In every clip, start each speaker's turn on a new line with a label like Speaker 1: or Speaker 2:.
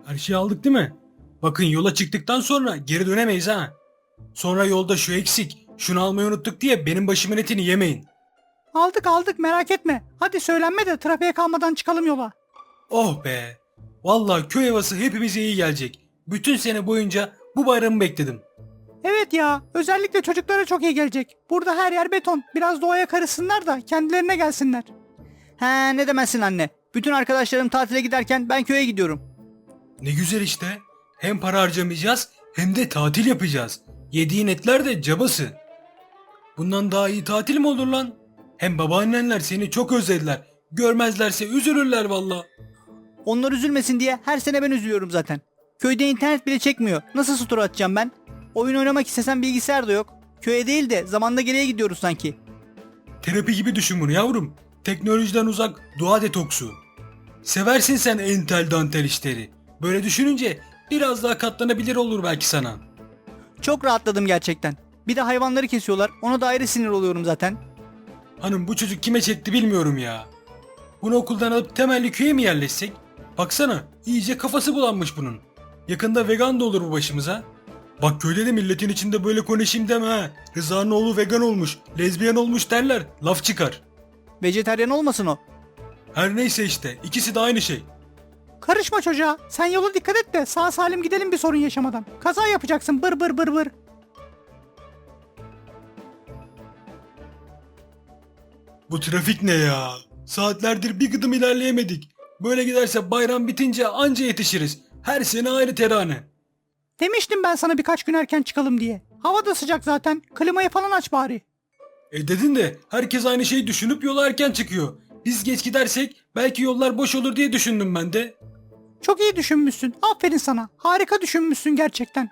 Speaker 1: Her şeyi aldık değil mi? Bakın yola çıktıktan sonra geri dönemeyiz ha. Sonra yolda şu eksik, şunu almayı unuttuk diye benim başımın etini yemeyin.
Speaker 2: Aldık aldık, merak etme. Hadi söylenme de trafiğe kalmadan çıkalım yola.
Speaker 1: Oh be! Vallahi köy havası hepimize iyi gelecek. Bütün sene boyunca bu bayramı bekledim.
Speaker 2: Evet ya, özellikle çocuklara çok iyi gelecek. Burada her yer beton. Biraz doğaya karışsınlar da kendilerine gelsinler.
Speaker 3: He, ne demezsin anne. Bütün arkadaşlarım tatile giderken ben köye gidiyorum.
Speaker 1: Ne güzel işte. Hem para harcamayacağız hem de tatil yapacağız. Yediğin etler de cabası. Bundan daha iyi tatil mi olur lan? Hem babaannenler seni çok özlediler. Görmezlerse üzülürler valla.
Speaker 3: Onlar üzülmesin diye her sene ben üzülüyorum zaten. Köyde internet bile çekmiyor. Nasıl story atacağım ben? Oyun oynamak istesem bilgisayar da yok. Köye değil de zamanda geriye gidiyoruz sanki.
Speaker 1: Terapi gibi düşün bunu yavrum. Teknolojiden uzak doğa detoksu. Seversin sen entel dantel işleri. Böyle düşününce biraz daha katlanabilir olur belki sana.
Speaker 3: Çok rahatladım gerçekten. Bir de hayvanları kesiyorlar. Ona da ayrı sinir oluyorum zaten.
Speaker 1: Hanım bu çocuk kime çekti bilmiyorum ya. Bunu okuldan alıp temelli köye mi yerleşsek? Baksana iyice kafası bulanmış bunun. Yakında vegan da olur bu başımıza. Bak köyde de milletin içinde böyle konuşayım deme ha. Rıza'nın oğlu vegan olmuş, lezbiyen olmuş derler. Laf çıkar.
Speaker 3: Vejetaryen olmasın o.
Speaker 1: Her neyse işte ikisi de aynı şey.
Speaker 2: Karışma çocuğa. Sen yola dikkat et de sağ salim gidelim bir sorun yaşamadan. Kaza yapacaksın bır bır bır bır.
Speaker 1: Bu trafik ne ya? Saatlerdir bir gıdım ilerleyemedik. Böyle giderse bayram bitince anca yetişiriz. Her sene ayrı terane.
Speaker 2: Demiştim ben sana birkaç gün erken çıkalım diye. Hava da sıcak zaten. Klimayı falan aç bari.
Speaker 1: Dedin de herkes aynı şeyi düşünüp yola erken çıkıyor. Biz geç gidersek belki yollar boş olur diye düşündüm ben de.
Speaker 2: Çok iyi düşünmüşsün. Aferin sana. Harika düşünmüşsün gerçekten.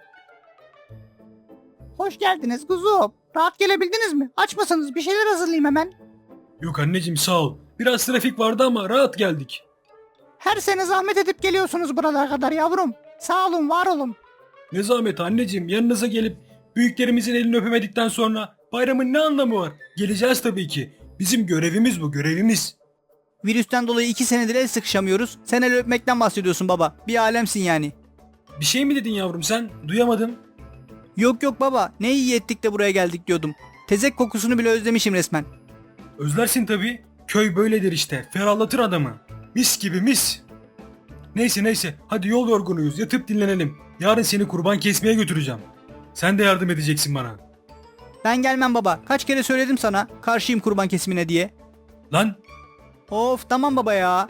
Speaker 2: Hoş geldiniz kuzum. Rahat gelebildiniz mi? Aç mısınız? Bir şeyler hazırlayayım hemen.
Speaker 1: Yok anneciğim sağ ol. Biraz trafik vardı ama rahat geldik.
Speaker 2: Her sene zahmet edip geliyorsunuz buralara kadar yavrum. Sağ olun, var olun.
Speaker 1: Ne zahmet anneciğim yanınıza gelip büyüklerimizin elini öpemedikten sonra bayramın ne anlamı var? Geleceğiz tabii ki. Bizim görevimiz bu görevimiz.
Speaker 3: Virüsten dolayı 2 senedir el sıkışamıyoruz. Sen el öpmekten bahsediyorsun baba. Bir alemsin yani.
Speaker 1: Bir şey mi dedin yavrum sen? Duyamadım.
Speaker 3: Yok yok baba. Ne iyi ettik de buraya geldik diyordum. Tezek kokusunu bile özlemişim resmen.
Speaker 1: Özlersin tabii. Köy böyledir işte. Ferahlatır adamı. Mis gibi mis. Neyse hadi yol yorgunuyuz yatıp dinlenelim. Yarın seni kurban kesmeye götüreceğim. Sen de yardım edeceksin bana.
Speaker 3: Ben gelmem baba. Kaç kere söyledim sana. Karşıyım kurban kesimine diye.
Speaker 1: Lan
Speaker 3: Of tamam baba ya.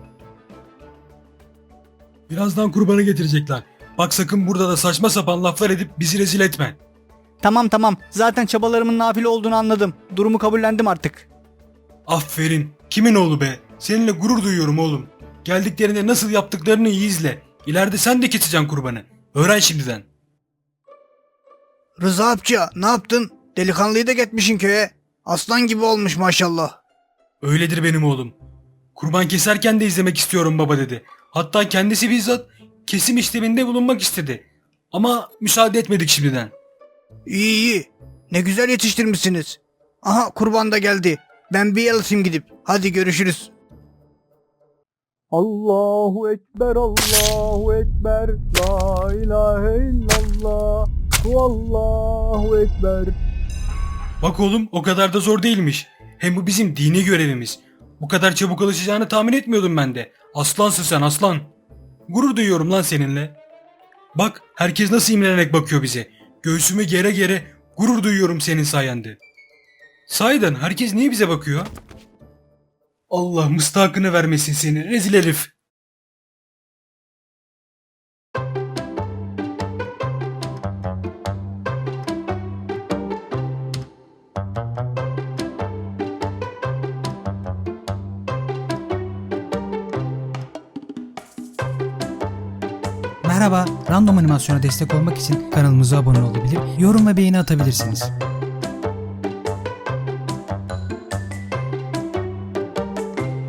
Speaker 1: birazdan kurbanı getirecekler. Bak sakın burada da saçma sapan laflar edip bizi rezil etme.
Speaker 3: Tamam. Zaten çabalarımın nafile olduğunu anladım. Durumu kabullendim artık.
Speaker 1: Aferin. Kimin oğlu be? Seninle gurur duyuyorum oğlum. Geldiklerinde nasıl yaptıklarını iyi izle. İleride sen de keseceksin kurbanı. Öğren şimdiden.
Speaker 4: Rıza amca ne yaptın? Delikanlıyı da getmişin köye. Aslan gibi olmuş maşallah.
Speaker 1: Öyledir benim oğlum. Kurban keserken de izlemek istiyorum baba dedi. Hatta kendisi bizzat kesim işleminde bulunmak istedi. Ama müsaade etmedik şimdiden.
Speaker 4: İyi. Ne güzel yetiştirmişsiniz. Aha kurban da geldi. Ben bir el atayım gidip. Hadi görüşürüz.
Speaker 3: Allahu Ekber, Allahu Ekber, La ilahe illallah, Allahu Ekber.
Speaker 1: Bak oğlum o kadar da zor değilmiş. Hem bu bizim dini görevimiz. Bu kadar çabuk alışacağını tahmin etmiyordum ben de. Aslansın sen aslan. Gurur duyuyorum lan seninle. Bak herkes nasıl imrenerek bakıyor bize. Göğsümü gere gere gurur duyuyorum senin sayende. Sahiden herkes niye bize bakıyor? Allah mıstakını vermesin seni rezil herif.
Speaker 5: Merhaba, Random Animasyon'a destek olmak için kanalımıza abone olabilir, yorum ve beğeni atabilirsiniz.